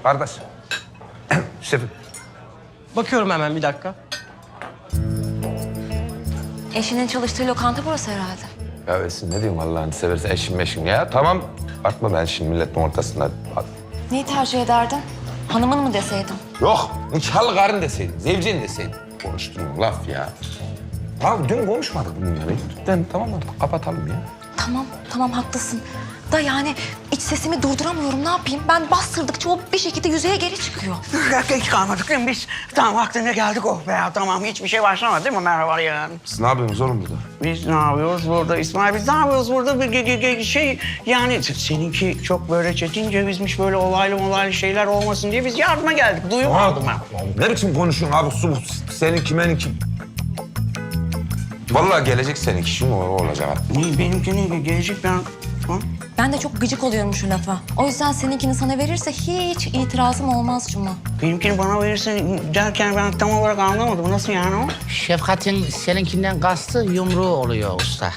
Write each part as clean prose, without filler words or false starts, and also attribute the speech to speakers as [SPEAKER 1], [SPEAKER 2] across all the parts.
[SPEAKER 1] Kardeş. Şefim.
[SPEAKER 2] Bakıyorum hemen bir dakika.
[SPEAKER 3] Eşinin çalıştığı lokanta burası herhalde.
[SPEAKER 1] Ya Esin ne diyeyim Allah'ını seversen eşim meşim ya. Tamam. Bakma ben şimdi milletin ortasında.
[SPEAKER 3] Neyi tercih ederdin? Hanımın mı deseydin?
[SPEAKER 1] Yok. Nikahlı karın deseydin. Zevcin deseydin. Konuştuğun laf ya. Abi dün konuşmadık bununla. Lütfen tamam artık kapatalım ya.
[SPEAKER 3] Tamam haklısın. Da yani iç sesimi durduramıyorum. Ne yapayım? Ben bastırdıkça o bir şekilde yüzeye geri çıkıyor.
[SPEAKER 4] Hiç kalmadık değil mi biz? Tamam vaktinde geldik oh be ya tamam hiçbir şey başlamadı değil mi merhaba yani?
[SPEAKER 1] Siz ne yapıyorsunuz oğlum burada?
[SPEAKER 4] Biz ne yapıyoruz burada İsmail biz ne yapıyoruz burada bir şey yani seninki çok böyle çetin cevizmiş böyle olaylı şeyler olmasın diye biz yardıma geldik duymadım ben.
[SPEAKER 1] Ne biçim konuşuyorsun abi? Senin kimeninki... Vallahi gelecek seninki şimdi o olacak.
[SPEAKER 4] Benimkini gelecek ben... Ha?
[SPEAKER 3] Ben de çok gıcık oluyorum şu lafa. O yüzden seninkini sana verirse hiç itirazım olmaz Cuma.
[SPEAKER 4] Benimkini bana verirsen derken ben tam olarak anlamadım. Nasıl yani o?
[SPEAKER 5] Şefkat'in seninkinden kastı yumruğu oluyor usta.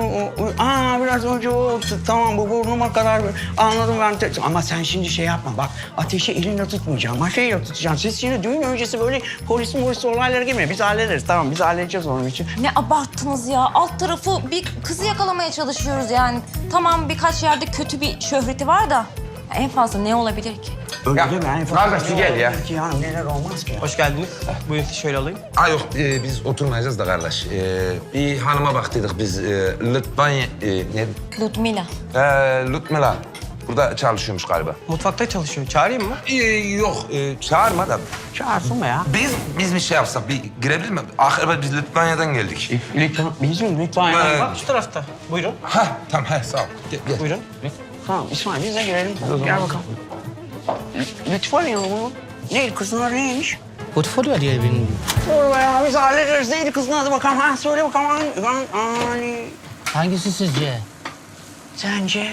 [SPEAKER 4] Biraz önce o tamam bu burnuma kadar anladım ben. Ama sen şimdi şey yapma bak ateşi elinle tutmayacaksın. Maşayla tutacaksın. Siz şimdi düğün öncesi böyle polis olaylara girmeyin. Biz hallederiz tamam biz halledeceğiz onun için.
[SPEAKER 3] Ne abarttınız ya. Alt tarafı bir kızı yakalamaya çalışıyoruz yani. Tamam birkaç yerde kötü bir şöhreti var da en fazla ne olabilir ki?
[SPEAKER 4] Öyle
[SPEAKER 1] Ya,
[SPEAKER 4] değil mi? Yani
[SPEAKER 1] kardeş, bir gel ya.
[SPEAKER 4] Yani neler olmaz ki ya.
[SPEAKER 2] Hoş geldiniz. Buyurun şöyle alayım.
[SPEAKER 1] Yok biz oturmayacağız da kardeş. Bir hanıma baktıydık biz. Lütfanya... ne?
[SPEAKER 3] Ludmila.
[SPEAKER 1] Lütmela. Burada çalışıyormuş galiba.
[SPEAKER 2] Mutfakta çalışıyor. Çağırayım mı?
[SPEAKER 1] Yok çağırma da.
[SPEAKER 4] Çağırsın be ya.
[SPEAKER 1] Biz bir şey yapsak bir girebilir mi? Akırba biz Litvanya'dan geldik.
[SPEAKER 4] Lütfen, bizim lütfen.
[SPEAKER 2] Bak şu tarafta. Buyurun.
[SPEAKER 1] Tamam sağ ol. Gel.
[SPEAKER 2] Buyurun.
[SPEAKER 4] Tamam İsmail biz de girelim. Gel bakalım. Lütfen ya bu. Neydi kızın adı neymiş?
[SPEAKER 5] Portfolyo diye bir...
[SPEAKER 4] Dur be ya biz hallederiz. Neydi kızın adı bakalım. Ha söyle bakalım. Hani
[SPEAKER 5] Hangisi sizce?
[SPEAKER 4] sence?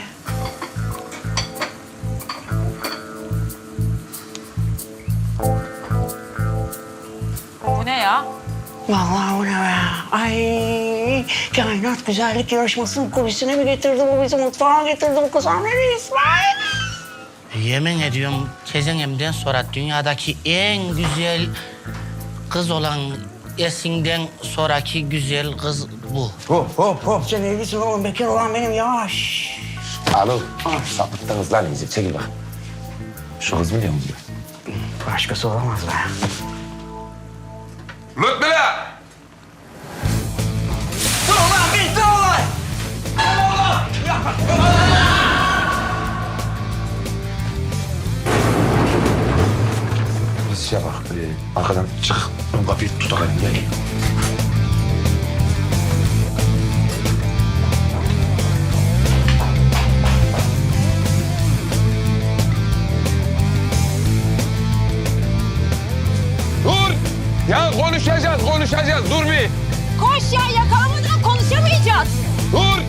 [SPEAKER 3] Bu ne ya?
[SPEAKER 4] Vallahi bu ne be? Ay kainat güzellik yarışmasının kulisine mi getirdi bu bizi? Mutfağa getirdi bu kız. Nereye İsmail?
[SPEAKER 5] Yemin ediyorum tezenemden sonra dünyadaki en güzel kız olan Esin'den sonraki güzel kız bu.
[SPEAKER 4] Hop. Sen evlisin oğlum. Bekar olan benim. Yavaş.
[SPEAKER 1] Alo. Sapıttınız lan iyice. Çekil bak. Şu kız biliyor musun?
[SPEAKER 4] Başkası olamaz be.
[SPEAKER 1] Lütmela!
[SPEAKER 4] Dur ulan bitti olay.
[SPEAKER 1] Biz şey bak. Arkadan çık. Ön kapıyı tutalım. Gel. Dur! Ya konuşacağız. Dur bir.
[SPEAKER 3] Koş ya yakalamadan konuşamayacağız.
[SPEAKER 1] Dur!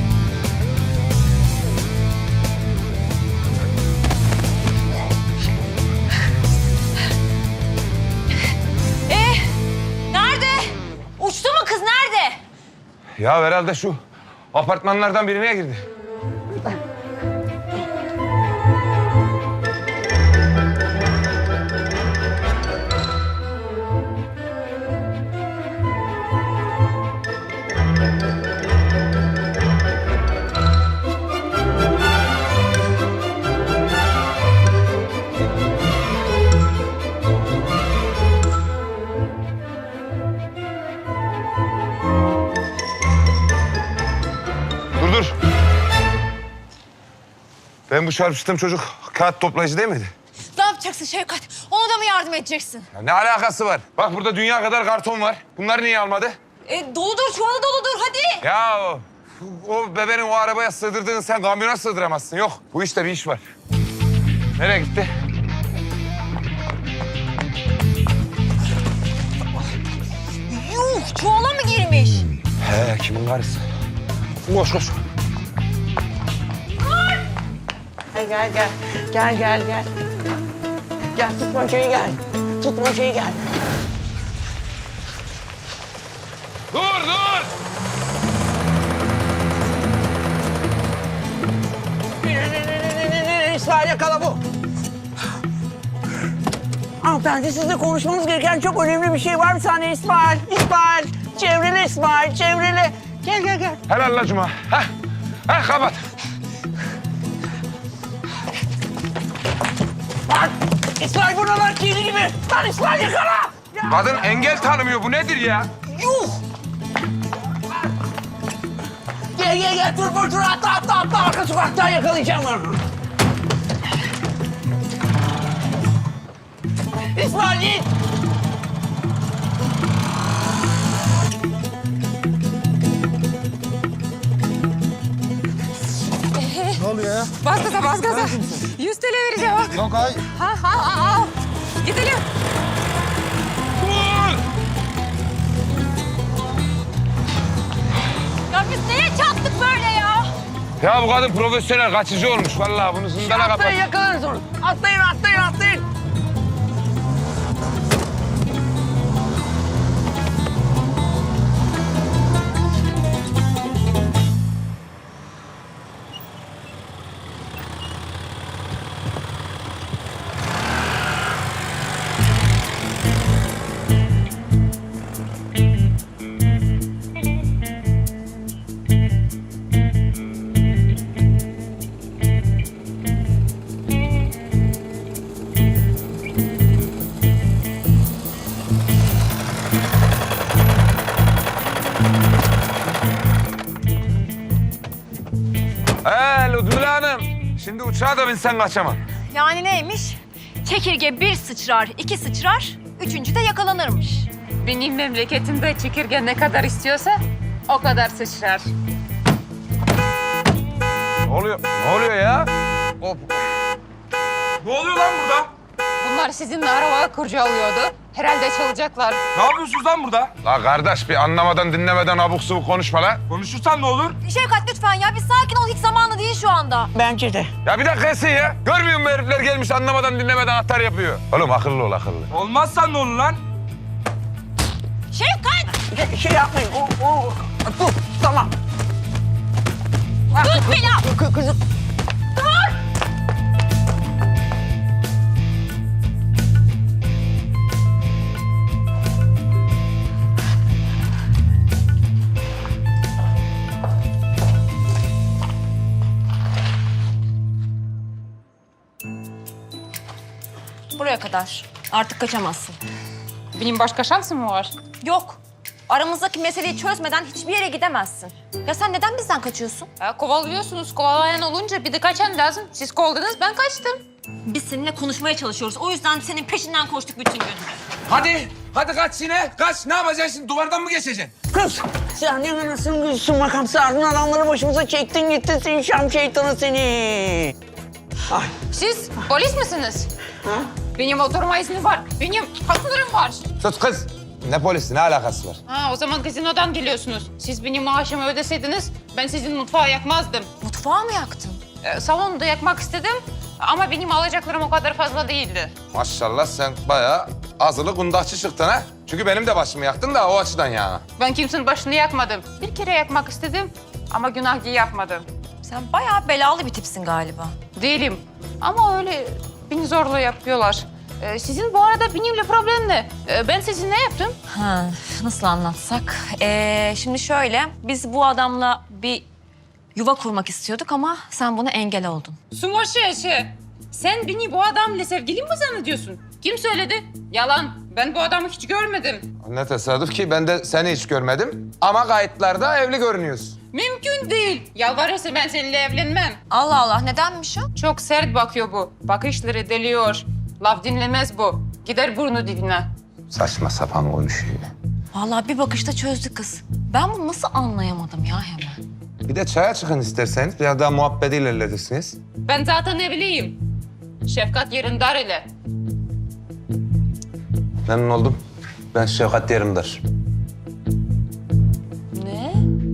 [SPEAKER 3] Nerede? Uçtu mu kız nerede?
[SPEAKER 1] Ya herhalde şu apartmanlardan birine girdi. Dur. Ben bu çarpıştığım çocuk kağıt toplayıcı değil miydi?
[SPEAKER 3] Ne yapacaksın Şevkat? Ona da mı yardım edeceksin?
[SPEAKER 1] Ya ne alakası var? Bak burada dünya kadar karton var. Bunları niye almadı?
[SPEAKER 3] Doludur çuvalı doludur hadi.
[SPEAKER 1] Ya o bebeğin o arabaya sığdırdığını sen kamyona sığdıramazsın. Yok bu işte bir iş var. Nereye gitti?
[SPEAKER 3] Yuh çuvala mı girmiş?
[SPEAKER 1] He kimin karısı? Koş.
[SPEAKER 4] Gel. Gel tutmacayı gel.
[SPEAKER 1] Dur!
[SPEAKER 4] İsmail yakala bu. Hanımefendi sizle konuşmamız gereken çok önemli bir şey var. Bir saniye İsmail. İsmail. Çevrili İsmail. Çevrili. Gel gel gel.
[SPEAKER 1] Helal la Cuma. Heh kapat.
[SPEAKER 4] Lan İsmail buralar kirli gibi. Lan İsmail yakala. Ya.
[SPEAKER 1] Kadın engel tanımıyor. Bu nedir ya?
[SPEAKER 4] Yuh. Gel gel gel. Dur atla. Arka sokaktan yakalayacağım onu. İsmail git.
[SPEAKER 6] Ne oluyor ya?
[SPEAKER 3] Bas gaza. 100 TL vereceğim bak.
[SPEAKER 6] Yok ay.
[SPEAKER 3] Al. Gidelim. Ya biz neye çattık böyle ya?
[SPEAKER 1] Ya bu kadın profesyonel kaçıcı olmuş. Vallahi bunu zindana kapat.
[SPEAKER 4] Atlayın yakalarız onu. Atlayın.
[SPEAKER 1] Lütfüle Hanım. Şimdi uçağa da binsen kaçamam.
[SPEAKER 3] Yani neymiş? Çekirge bir sıçrar, iki sıçrar, üçüncü de yakalanırmış.
[SPEAKER 7] Benim memleketimde çekirge ne kadar istiyorsa o kadar sıçrar.
[SPEAKER 1] Ne oluyor ya? Hop. Ne oluyor lan burada?
[SPEAKER 7] Bunlar sizinle araba kurcalıyordu. Herhalde çalacaklar.
[SPEAKER 8] Ne yapıyorsunuz lan burada?
[SPEAKER 1] La kardeş bir anlamadan dinlemeden abuk subuk konuşma la.
[SPEAKER 8] Konuşursan ne olur?
[SPEAKER 3] Şevkat lütfen ya bir sakin ol, hiç zamanı değil şu anda.
[SPEAKER 4] Bence de.
[SPEAKER 1] Ya bir dakika Esin ya. Görmüyor musun herifler gelmiş anlamadan dinlemeden atar yapıyor. Oğlum akıllı ol akıllı.
[SPEAKER 8] Olmazsan ne olur lan?
[SPEAKER 3] Şevkat!
[SPEAKER 4] Şey yapmayın. Dur. Tamam.
[SPEAKER 3] Tut beni!
[SPEAKER 4] Kızım.
[SPEAKER 3] Buraya kadar. Artık kaçamazsın.
[SPEAKER 7] Benim başka şansım mı var?
[SPEAKER 3] Yok. Aramızdaki meseleyi çözmeden hiçbir yere gidemezsin. Ya sen neden bizden kaçıyorsun?
[SPEAKER 7] Kovalıyorsunuz. Kovalayan olunca bir de kaçan lazım. Siz kovaladınız, ben kaçtım.
[SPEAKER 3] Biz seninle konuşmaya çalışıyoruz. O yüzden senin peşinden koştuk bütün gün.
[SPEAKER 1] Hadi kaç yine. Kaç. Ne yapacaksın şimdi? Duvardan mı geçeceksin?
[SPEAKER 4] Kız. Sen ne anasını gülsün makamsı ardın adamları başımıza çektin gittin sen Şam şeytanı seni. Ay.
[SPEAKER 7] Siz polis misiniz?
[SPEAKER 4] Ha?
[SPEAKER 7] Benim oturma izni var. Benim haklarım var.
[SPEAKER 1] Sus kız. Ne polisi? Ne alakası var?
[SPEAKER 7] Ha, o zaman gazinodan geliyorsunuz. Siz benim maaşımı ödeseydiniz ben sizin mutfağı yakmazdım.
[SPEAKER 3] Mutfağı mı yaktın?
[SPEAKER 7] Salonu da yakmak istedim ama benim alacaklarım o kadar fazla değildi.
[SPEAKER 1] Maşallah sen bayağı azılı kundakçı çıktın ha. Çünkü benim de başımı yaktın da o açıdan ya.
[SPEAKER 7] Ben kimsenin başını yakmadım. Bir kere yakmak istedim ama günah diye yapmadım.
[SPEAKER 3] Sen bayağı belalı bir tipsin galiba.
[SPEAKER 7] Değilim ama öyle beni zorla yapıyorlar. Sizin bu arada benimle problem ne? Ben sizin ne yaptım?
[SPEAKER 3] Ha, nasıl anlatsak? Şimdi şöyle, biz bu adamla bir yuva kurmak istiyorduk ama sen buna engel oldun.
[SPEAKER 7] Sumoşeşe. Sen beni bu adamla sevgili mi zannediyorsun? Kim söyledi? Yalan. Ben bu adamı hiç görmedim.
[SPEAKER 1] Ne tesadüf ki ben de seni hiç görmedim. Ama kayıtlarda evli görünüyorsun.
[SPEAKER 7] Mümkün değil. Yalvarırsa ben seninle evlenmem.
[SPEAKER 3] Allah Allah, nedenmiş o?
[SPEAKER 7] Çok sert bakıyor bu. Bakışları deliyor. Laf dinlemez bu. Gider burnu dibine.
[SPEAKER 1] Saçma sapan konuşuyor.
[SPEAKER 3] Vallahi bir bakışta çözdü kız. Ben bunu nasıl anlayamadım ya hemen?
[SPEAKER 1] Bir de çaya çıkın isterseniz. Biraz daha muhabbeti ilerletirsiniz.
[SPEAKER 7] Ben zaten evliyim. Şefkat Yerindar ile.
[SPEAKER 1] Memnun oldum. Ben Şevkat Yerimdar.
[SPEAKER 3] Ne?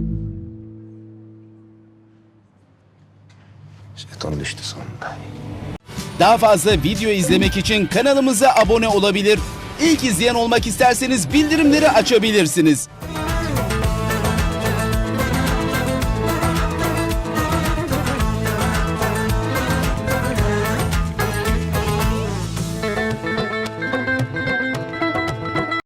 [SPEAKER 1] Şeytan düştü sonunda.
[SPEAKER 9] Daha fazla video izlemek için kanalımıza abone olabilir. İlk izleyen olmak isterseniz bildirimleri açabilirsiniz.